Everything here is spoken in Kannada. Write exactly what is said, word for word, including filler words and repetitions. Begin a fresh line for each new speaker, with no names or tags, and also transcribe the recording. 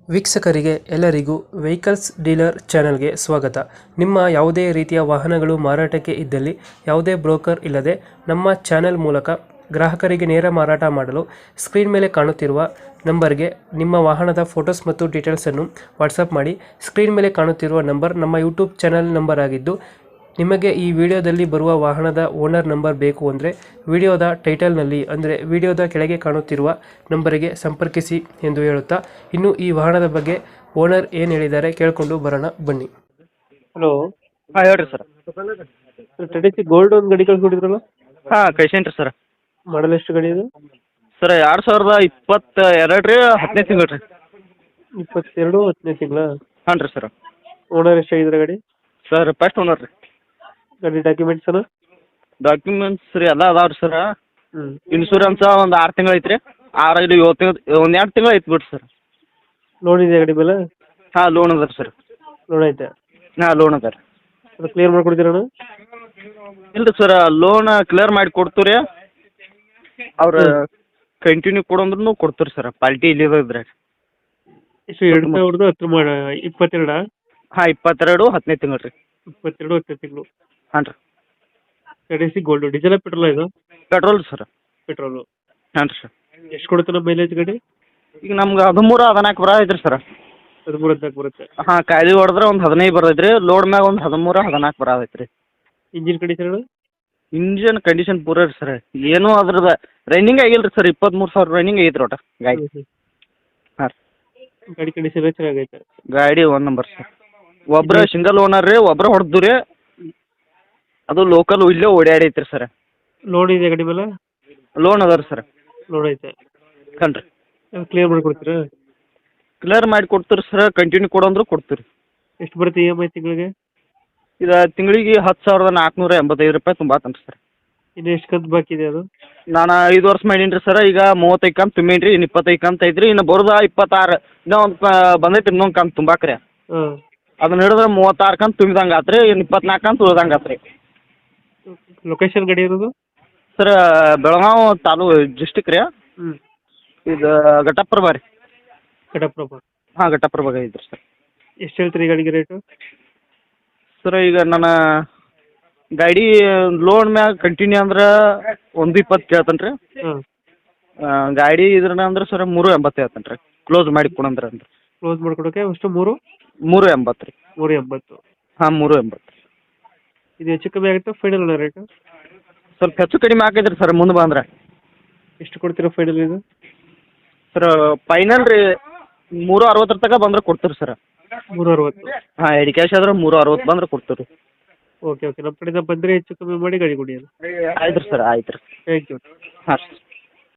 ವೀಕ್ಷಕರಿಗೆ ಎಲ್ಲರಿಗೂ ವೆಹಿಕಲ್ಸ್ ಡೀಲರ್ ಚಾನೆಲ್ಗೆ ಸ್ವಾಗತ. ನಿಮ್ಮ ಯಾವುದೇ ರೀತಿಯ ವಾಹನಗಳು ಮಾರಾಟಕ್ಕೆ ಇದ್ದಲ್ಲಿ ಯಾವುದೇ ಬ್ರೋಕರ್ ಇಲ್ಲದೆ ನಮ್ಮ ಚಾನೆಲ್ ಮೂಲಕ ಗ್ರಾಹಕರಿಗೆ ನೇರ ಮಾರಾಟ ಮಾಡಲು ಸ್ಕ್ರೀನ್ ಮೇಲೆ ಕಾಣುತ್ತಿರುವ ನಂಬರ್ಗೆ ನಿಮ್ಮ ವಾಹನದ ಫೋಟೋಸ್ ಮತ್ತು ಡೀಟೇಲ್ಸನ್ನು ವಾಟ್ಸಪ್ ಮಾಡಿ. ಸ್ಕ್ರೀನ್ ಮೇಲೆ ಕಾಣುತ್ತಿರುವ ನಂಬರ್ ನಮ್ಮ ಯೂಟ್ಯೂಬ್ ಚಾನೆಲ್ ನಂಬರ್ ಆಗಿದ್ದು, ನಿಮಗೆ ಈ ವಿಡಿಯೋದಲ್ಲಿ ಬರುವ ವಾಹನದ ಓನರ್ ನಂಬರ್ ಬೇಕು ಅಂದರೆ ವಿಡಿಯೋದ ಟೈಟಲ್ನಲ್ಲಿ ಅಂದರೆ ವಿಡಿಯೋದ ಕೆಳಗೆ ಕಾಣುತ್ತಿರುವ ನಂಬರಿಗೆ ಸಂಪರ್ಕಿಸಿ ಎಂದು ಹೇಳುತ್ತಾ, ಇನ್ನು ಈ ವಾಹನದ ಬಗ್ಗೆ ಓನರ್ ಏನು ಹೇಳಿದ್ದಾರೆ ಕೇಳಿಕೊಂಡು ಬರೋಣ ಬನ್ನಿ. ಹಲೋ,
ಹಾಂ ಹೇಳ್ರಿ ಸರ್.
ಟೆಡಿಸಿ ಗೋಲ್ಡ್ ಒಂದು ಗಾಡಿ ಕಳ್ಸ್ಕೊಟ್ಟಿದ್ರಲ್ಲ,
ಹಾಂ ಕಳ್ಸೇನ್ರಿ ಸರ್.
ಮಾಡಲ್ ಎಷ್ಟು ಗಾಡಿ ಇದು?
ಸರ್ ಎರಡು ಸಾವಿರದ ಇಪ್ಪತ್ತ ಎರಡು ರೀ ಹತ್ತನೇ ತಿಂಗಳು ರೀ.
ಇಪ್ಪತ್ತೆರಡು ಹತ್ತನೇ ತಿಂಗಳ.
ಹಾಂ ರೀ ಸರ್.
ಓನರ್ ಎಷ್ಟಾಗಿದ್ರೆ ಗಾಡಿ?
ಸರ್ ಫಸ್ಟ್ ಓನರ್ ರೀ.
ಗಾಡಿ ಡಾಕ್ಯುಮೆಂಟ್ಸ್ ಅಲ್ಲ?
ಡಾಕ್ಯುಮೆಂಟ್ಸ್ ರೀ ಎಲ್ಲ ಅದಾವೆ ರೀ ಸರ್.
ಹ್ಞೂ
ಇನ್ಶೂರೆನ್ಸ್ ಒಂದು ಆರು ತಿಂಗಳು ಐತ್ರಿ. ಆರು ಐದು ಏಳು ತಿಂಗಳು ಒಂದು ಎರಡು ತಿಂಗಳು ಐತೆ ಬಿಡ್ರಿ ಸರ್.
ಲೋನ್ ಇದೆಯಾ ಗಾಡಿ ಮೇಲೆ?
ಹಾಂ ಲೋನ್ ಅದ ರೀ ಸರ್.
ಲೋನ್ ಐತೆ?
ಹಾಂ ಲೋನ್ ಅದ ರೀ.
ಅದು ಕ್ಲಿಯರ್ ಮಾಡ್ಕೊಡ್ತೀರಣ್ಣ?
ಇಲ್ಲ ರೀ ಸರ್, ಲೋನ್ ಕ್ಲಿಯರ್ ಮಾಡಿ ಕೊಡ್ತೀವಿ ರೀ. ಅವ್ರು ಕಂಟಿನ್ಯೂ ಕೊಡಂದ್ರೂ ಕೊಡ್ತೀವಿ ಸರ್. ಪಾಲ್ಟಿ ಇಲ್ಲಿ ಇದ್ರೆ
ಎಷ್ಟು, ಎರಡು ಸಾವಿರದ ಹತ್ತು ಮಾಡ ಇಪ್ಪತ್ತೆರಡಾ?
ಹಾಂ ಇಪ್ಪತ್ತೆರಡು ಹತ್ತನೇ ತಿಂಗಳು ರೀ.
ಇಪ್ಪತ್ತೆರಡು ಹತ್ತನೇ ತಿಂಗಳು.
ಹಾಂ ರೀ.
ಟೆಡಿಸಿ ಗೋಲ್ಡ್ ಡೀಸೆಲ್ ಪೆಟ್ರೋಲ್ ಇದು?
Petrol sir.
ಪೆಟ್ರೋಲು.
ಹಾಂ ರೀ ಸರ್.
ಎಷ್ಟು ಕೊಡುತ್ತೆ ನಮ್ಮ ಮೈಲೇಜ್ ಗಾಡಿ?
ಈಗ ನಮ್ಗೆ ಹದಿಮೂರು ಹದಿನಾಲ್ಕು ಬರ ಐತ್ರಿ ಸರ್.
ಹದಿಮೂರು ಹದಿನಾಲ್ಕು ಬರುತ್ತೆ.
ಹಾಂ ಖಾಲಿ ಹೊಡೆದ್ರೆ ಒಂದು ಹದಿನೈದು ಬರ್ತೈತೆ ರೀ. ಲೋಡ್ ಮ್ಯಾಗ ಒಂದು ಹದಿಮೂರು ಹದಿನಾಲ್ಕು ಬರತೈತೆ ರೀ.
Engine condition?
ಇಂಜಿನ್ ಕಂಡೀಷನ್ ಪೂರ ರೀ ಸರ್. ಏನೂ ಅದ್ರದ್ದು ರನ್ನಿಂಗ್ ಆಗಿಲ್ಲ ರೀ ಸರ್. ಇಪ್ಪತ್ತ್ಮೂರು ಸಾವಿರ ರನ್ನಿಂಗ್ ಐತೆ ಒಟ್ಟು ಗಾಡಿ. ಹಾಂ ರೀ.
ಗಾಡಿ ಕಂಡೀಷನ್ ಚೆನ್ನಾಗೈತೆ?
ಗಾಡಿ ಒನ್ ನಂಬರ್ ಸರ್. ಒಬ್ಬರ ಸಿಂಗಲ್ ಓನರ್ ರೀ, ಒಬ್ಬರ ಹೊಡೆದು ರೀ. ಅದು ಲೋಕಲ್ ಇಲ್ಲೇ ಓಡಾಡೈತೆ ರೀ ಸರ್.
ಲೋನ್ ಇದೆ ಗಾಡಿ ಮೇಲೆ?
ಲೋನ್ ಅದ ರೀ ಸರ್.
ಲೋನ್ ಐತೆ?
ಹಾಂ ರೀ.
ಕ್ಲಿಯರ್ ಮಾಡಿಕೊಡ್ತೀರಾ?
ಕ್ಲಿಯರ್ ಮಾಡಿ ಕೊಡ್ತೀರಿ ಸರ್. ಕಂಟಿನ್ಯೂ ಕೊಡಂದ್ರೂ ಕೊಡ್ತೀರಿ.
ಎಷ್ಟು ಬರುತ್ತೆ ಇ ಎಮ್ ಐ ತಿಂಗಳಿಗೆ?
ಇದು ತಿಂಗಳಿಗೆ ಹತ್ತು ಸಾವಿರದ ನಾಲ್ಕುನೂರ ಎಂಬತ್ತೈದು ರೂಪಾಯಿ ತುಂಬಾತನ್ ರೀ ಸರ್.
ಇನ್ನು ಎಷ್ಟು ಕಂತು ಬಾಕಿ ಇದೆ ಅದು?
ನಾನು ಐದು ವರ್ಷ ಮಾಡೀನಿ ರೀ ಸರ್. ಈಗ ಮೂವತ್ತೈದು ಕಂತು ತುಂಬೀನಿ ರೀ. ಇನ್ನು ಇಪ್ಪತ್ತೈದು ಕಂತು ಐತೆ ರೀ. ಇನ್ನು ಬರೋದ ಇಪ್ಪತ್ತಾರು ಇನ್ನೂ ಒಂದು ಬಂದೈತೆ ಇನ್ನೊಂದು ಕಂತು ತುಂಬಾಕ್ರಿ.
ಹಾಂ.
ಅದನ್ನ ಹಿಡಿದ್ರೆ ಮೂವತ್ತಾರು ಕಂತು ತುಂಬಿದಂಗೆ ಆತು ರೀ. ಇನ್ನು ಇಪ್ಪತ್ನಾಲ್ಕು ಕಂತು ಉಳ್ದಂಗೆ ಆತು ರೀ.
ಲೊಕೇಶನ್ ಗಾಡಿ ಇರೋದು?
ಸರ್ ಬೆಳಗಾವಿ ತಾಲೂ ಡಿಸ್ಟಿಕ್ ರೀ.
ಹ್ಞೂ.
ಇದು ಘಟಪ್ರಭ ರೀ.
ಘಟಪ್ರಭ?
ಹಾಂ ಘಟಪ್ರಭ ಐತ್ರಿ ಸರ್.
ಎಷ್ಟು ಹೇಳ್ತೀರಿ ಗಾಡಿಗೆ ರೇಟು?
ಸರ್ ಈಗ ನನ್ನ ಗಾಡಿ ಲೋನ್ ಮ್ಯಾಗ ಕಂಟಿನ್ಯೂ ಅಂದ್ರೆ ಒಂದು ಇಪ್ಪತ್ತು ಕೇಳ್ತಾನೆ ರೀ.
ಹಾಂ.
ಗಾಡಿ ಇದ್ರನ್ನ ಅಂದ್ರೆ ಸರ್ ಮೂರು ಎಂಬತ್ತು ಹೇಳ್ತಾನೆ ರೀ. ಕ್ಲೋಸ್ ಮಾಡಿ ಕೊಡಂದ್ರೆ ಅಂದ್ರೆ
ಕ್ಲೋಸ್ ಮಾಡ್ಕೊಡೋಕೆ ಅಷ್ಟು ಮೂರು
ಮೂರು ಎಂಬತ್ತು ರೀ.
ಮೂರು ಎಂಬತ್ತು?
ಹಾಂ ಮೂರು ಎಂಬತ್ತು.
ಇದು ಹೆಚ್ಚು ಕಮ್ಮಿ ಆಗುತ್ತೆ ಫೈನಲ್ ಅಲ್ಲ ರೇಟು?
ಸ್ವಲ್ಪ ಹೆಚ್ಚು ಕಡಿಮೆ ಆಗೈತೆ ರೀ ಸರ್ ಮುಂದೆ ಬಂದ್ರೆ.
ಎಷ್ಟು ಕೊಡ್ತೀರಾ ಫೈನಲ್ ಇದು?
ಸರ್ ಫೈನಲ್ ರೀ ಮೂರು ಅರವತ್ತರ ತನಕ ಬಂದ್ರೆ ಕೊಡ್ತೀರಿ ಸರ್.
ಮೂರು ಅರವತ್ತು?
ಹಾಂ ಎಡಿ ಕ್ಯಾಶ್ ಆದ್ರೆ ಮೂರು ಅರವತ್ತು ಬಂದ್ರೆ ಕೊಡ್ತೀವಿ.
ಓಕೆ ಓಕೆ, ನಮ್ಮ ಕಡೆಯಿಂದ ಬಂದರೆ ಹೆಚ್ಚು ಕಮ್ಮಿ ಮಾಡಿ ಗಾಡಿ ಕೊಡಿ.
ಆಯ್ತು ರೀ ಸರ್, ಆಯ್ತು ರೀ.
Thank you.
ಹಾಂ ರೀ.